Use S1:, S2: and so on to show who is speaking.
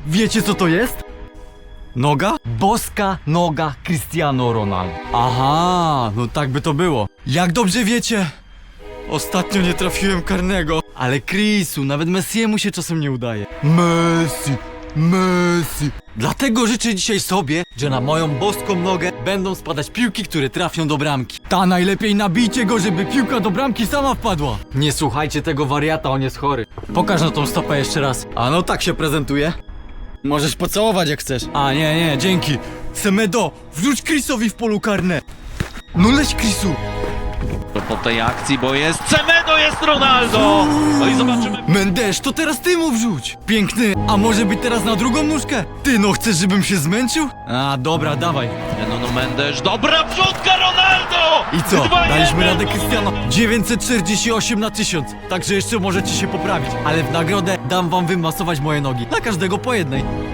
S1: Wiecie co to jest? Noga? Boska noga Cristiano Ronaldo. Aha, no tak by to było. Jak dobrze wiecie, ostatnio nie trafiłem karnego. Ale Chrisu, nawet Messiemu się czasem nie udaje. Messi. Dlatego życzę dzisiaj sobie, że na moją boską nogę będą spadać piłki, które trafią do bramki. Ta najlepiej nabijcie go, żeby piłka do bramki sama wpadła. Nie słuchajcie tego wariata, on jest chory. Pokaż na tą stopę jeszcze raz. A no tak się prezentuje. Możesz pocałować jak chcesz. A nie, dzięki. Semedo, wrzuć Chrisowi w polu karne. No leć Chrisu.
S2: To po tej akcji, bo jest Semedo, jest Ronaldo! No i zobaczymy.
S1: Mendes, to teraz ty mu wrzuć. Piękny, a może być teraz na drugą nóżkę? Ty no chcesz, żebym się zmęczył? A dobra, dawaj.
S2: No Mendes, dobra wrzutka Ronaldo!
S1: I co?
S2: 2-1.
S1: Daliśmy radę Cristiano. 948 na 1000. Także jeszcze możecie się poprawić. Ale w nagrodę dam wam wymasować moje nogi. Na każdego po jednej.